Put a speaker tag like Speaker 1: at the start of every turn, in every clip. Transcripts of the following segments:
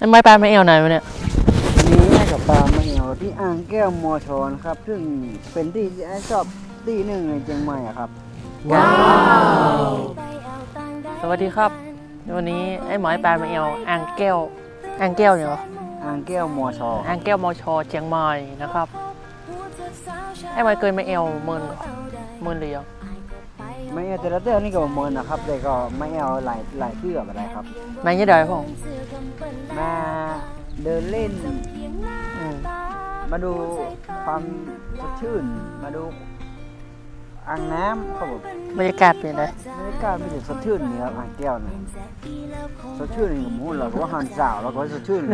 Speaker 1: ไม้ปลาไม่เอวไหนวะเนี่ย
Speaker 2: นี้ให้กับปลาไม่เอวที่อ่างแก้วมอชอนครับซึ่งเป็นที่ชอบที่หนึ่งในเชียงใหม่อะครับ
Speaker 1: ว้าวสวัสดีครับวันนี้ไอ้หมอยปลาไม่เอวอ่างแก้วเนี่ยเหรอ
Speaker 2: อ่างแก้วมอชอ
Speaker 1: อ่างแก้วมอชอเชียงใหม่นะครับไอ้หมอยเคยไม่เอวหมื่นเลยยัง
Speaker 2: ไม่เอวแต่ละเดือนนี่ก็เหมือนนะครับแต่ก็ไม่เอวหลายเพื่ออะไรครับ
Speaker 1: ไม่ยังได้พ่อ
Speaker 2: มาเดินเล่นมาดูความสดชื่นมาดูอ่างน้ำครับผม
Speaker 1: บรรยากาศเป็นไง
Speaker 2: บรรยากาศไม่ถึงสดชื่นนี่ครับอ่างแก้วนะสดชื่นนี่ผมพูดเลยว่าหันสาวแล้วก็สดชื่น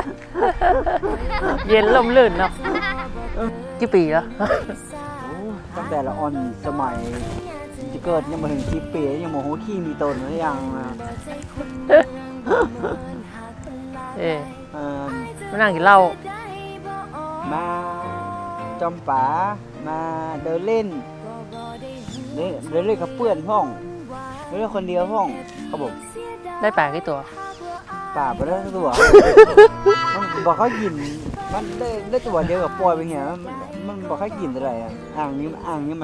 Speaker 1: เย็นลมลื่นเนาะกี่ปีแล้ว
Speaker 2: ตั้งแต่ละอ่อนสมัยจะเกิดยังมาถึง10 ปียังโมโหขี้มีตนหรือยัง
Speaker 1: มานั่งกินเหล้า
Speaker 2: มาจอมป๋ามาเดินเล่นกับเพื่อนห้องเดินเล่นคนเดียวห้องครับผม
Speaker 1: ได้ป่ากี่ตัว
Speaker 2: ป่าไปได้ตัวมันบอกเขากินมันได้ตัวเดียวกับปล่อยไปเหี้ยมันบอกเขากินอะไรอ่างนี้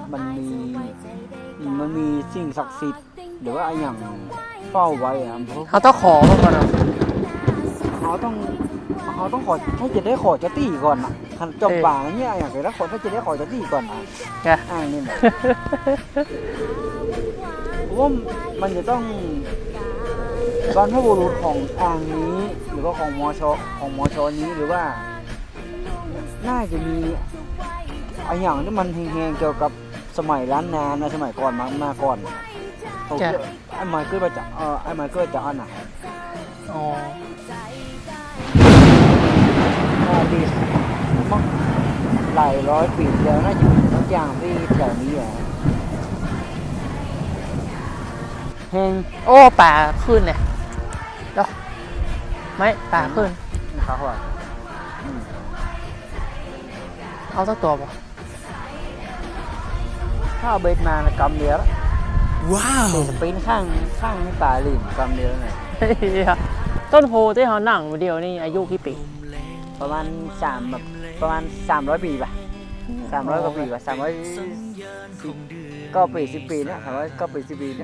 Speaker 2: มันมีสิ่งศักดิ์สิทธิ์หรือว่าอย่างเฝ้าไว้
Speaker 1: เขาต้องขอมาก่อน
Speaker 2: เขาต้องขอถ้าจะได้ขอจะตีก่อนนะจบป่าเนี่ยอย่างไรแล้วขอถ้าจะได้ขอจะตีก่อนนะอ่างนี่แหละว่ามันจะต้องบรรพบุรุษของอ่างนี้หรือว่าของมอชนี้หรือว่าน่าจะมีอย่างที่มันแห้งๆเกี่ยวกับสมัยล้านนานะสมัยก่อนมาก่อนไอ้ไมเคิลมาจากไอ้ไมเคิลจากอันน่ะปีมั้งหลายร้อยปีแล้วน่าจะมีทุกอย่างที่แถวนี้แห้ง
Speaker 1: โอ้ป่าขึ้นเนี่ยเดี๋ยวไม่ป่าขึ้น
Speaker 2: ขาหัว
Speaker 1: เอาสักตัวป่ะ
Speaker 2: ถ้าเอาเบ็ดมานะกำเดียวแล้วว้าวจะปีนข้างให้ป่าหลิมกำเดียวเลย
Speaker 1: ต้นโพที่เขาหนังเดียวนี่อายุกี่ปี
Speaker 2: ประมาณ300 ปีป่ะ300 กว่าปีป่ะ300ก็ปี10 ปีนะ300ก็ปี10 ปีเนี่ย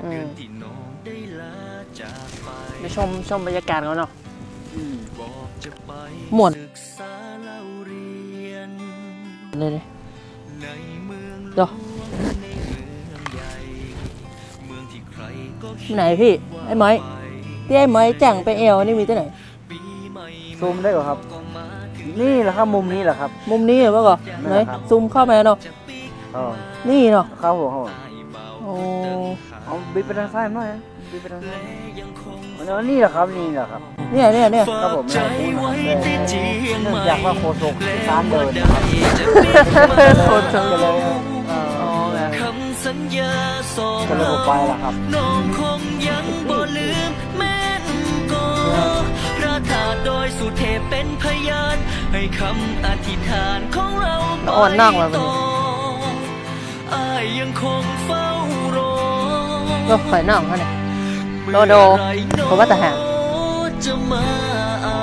Speaker 1: ไปชมบรรยากาศเขาเนาะหมดเลยเดี๋ยวไหนพี่ไอ้ไม้ที่ไอ้ไม้จังไปเอวนี่มีที่ไหน
Speaker 2: ซูมได้เหรอครับนี่แหละครับมุมนี้แหละครับ
Speaker 1: มุมนี้เหรอก่อนไหนซูมเข้ามาเนาะนี่เนาะ
Speaker 2: เข้าหัว
Speaker 1: โอ้
Speaker 2: เอาบิดไปทางซ้ายหน่อยบิดไปทางซ้ายนี่แหละครับเนี่ยครับผมเนื่องจากว่าโคศกช้างเดิน
Speaker 1: โคศก
Speaker 2: เลยก็เลยไปละครับ
Speaker 3: โดยสุเทพเป็นพยานให้คำอธิษฐานของเรา
Speaker 1: อ่อนนั่งเลย
Speaker 3: ยังคงเฝ้ารอ
Speaker 1: ก็ข่อยนั่งเขาเนี่ยโดผมว่าแต่หาง
Speaker 3: จะมาเอา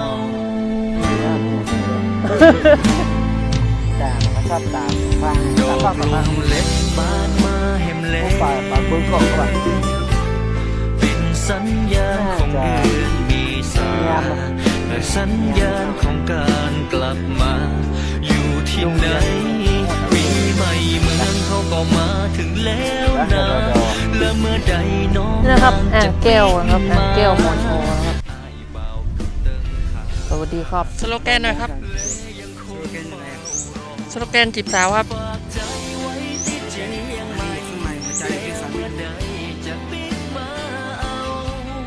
Speaker 2: แต่ชอบตามฟัง
Speaker 3: เล็กบานมาเห็มเล็ก
Speaker 2: ป่าปืนกองก่อน
Speaker 3: เป็นสัญญาณของเดือนมีสาสัญญาณของการกลับมาอยู่ที่ไหนปีใหม่เมืองเขาก็มาถึงแล้วนะและเมื่อใดน้อง
Speaker 1: นะครับอ่างแก้วนะครับอ่างแก้วมอชอนะครับสวัสดีครับสโลแกนหน่อยครับสโลแกนจีบสาวครับ